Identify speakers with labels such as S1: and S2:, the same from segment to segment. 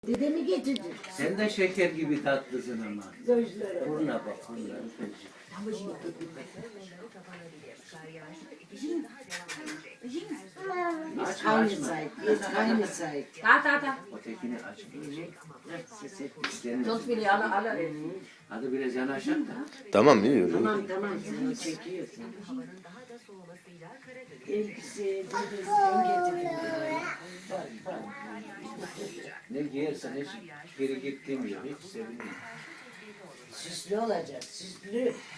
S1: Dedemi getirdi.
S2: Sen de şeker gibi tatlısın ama.
S1: Gözlere.
S2: Burnuna bak, burnuna. Açma,
S1: Aynı
S2: açma.
S1: sahip. Aynı sahip.
S3: Ta.
S2: Ötekini açma.
S1: Ses et.
S2: İstenmesin.
S3: Çok bile ala.
S2: Hadi biraz yanaşak da.
S4: Tamam yiyor.
S1: Tamam sen o çekiyorsun. Elbise dedesi ben getirdim.
S2: Ne giyersen hiç geri gittiğim yok. Hiç sevinmiyorum.
S1: Süslü olacak, süslü.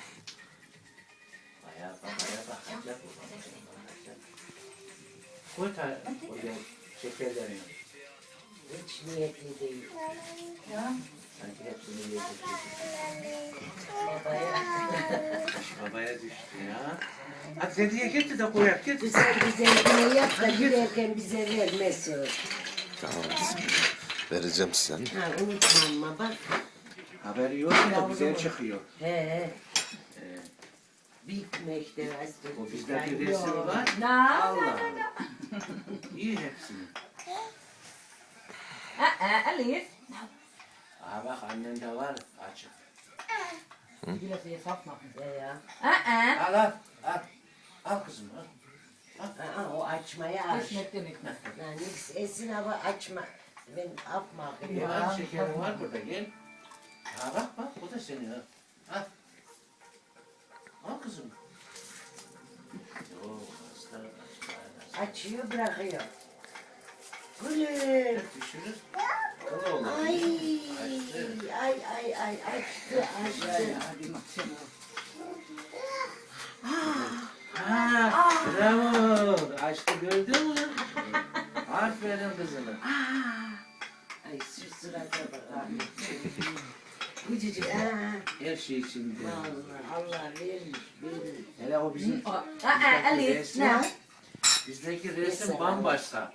S2: Ayağa bakacak. Koy oraya şekerlerini.
S1: Hiç niyetli değil.
S2: Sanki hepsini yiyecek.
S1: Babaya.
S2: Babaya düştü ya. Hadi dediye getir de koyak getir.
S1: Güzel güzel yine yap da girerken bize vermesin.
S4: Tamam. Vereceğim size.
S1: Ha unutma ama bak.
S2: Haberi yok ya güzel çıkıyor.
S1: He. Bitmekte aslında.
S2: O bizde bir resim var.
S3: Na.
S2: Allah. İyi hepsini.
S3: Elif.
S2: Aha bak annen de var açık.
S3: Biraz iyi satma.
S1: Ya.
S2: Al al al. Al kızım al.
S1: Aa, o açmaya aç.
S3: Ekmek demek.
S1: Yani Esin abi açma. Ben yapma.
S2: Ya şekerin var burada gel. Ha bak bu da senin ha. Al. Al kızım. Yok hasta.
S1: Açıyor bırakıyor. Gülüm.
S2: Düşürür. Kılı olur.
S1: Ay açtı.
S2: Ha, bravo. Açtı gördün mü? Aferin kızıma.
S1: Ay şu surata bak abi. Küçücük.
S2: Her şey içinde.
S1: Allah vermiş.
S2: Hele o bizim
S3: Elif. Ne?
S2: bizdeki resim bambaşka.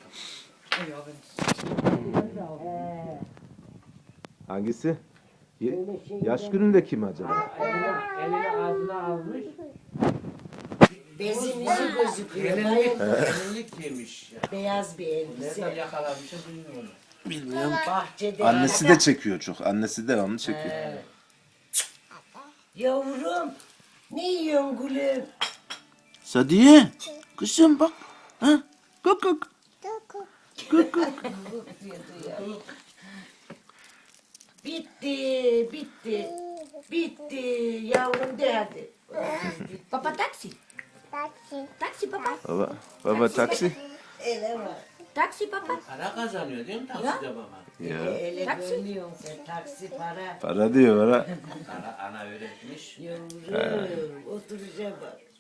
S4: Hangisi? Yaş gününde kim acaba?
S2: Elini ağzına almış.
S1: Bezin yüzü gözüküyor.
S2: Gelinlik yemiş ya.
S1: Beyaz bir elbise.
S2: Nereden yakalamışız bilmiyorum.
S4: Bilmiyorum.
S1: Bahçede.
S4: Annesi de çekiyor çok. Annesi de onu çekiyor.
S1: Yavrum. Ne yiyorsun gülüm?
S4: Sadiye. Kızım bak. Ha? Kuk.
S1: Bitti. Yavrum de hadi.
S3: Papa taksi. Taksi papa.
S4: Baba taksi.
S1: Ele var.
S3: Taksi papa.
S2: Para kazanıyor değil mi takside baba?
S4: Ya.
S1: Ele
S3: Taksi.
S1: görmüyorsun sen. Taksi para.
S4: Para diyor para.
S2: Ana öğretmiş.
S1: Yavrum oturacağım bak.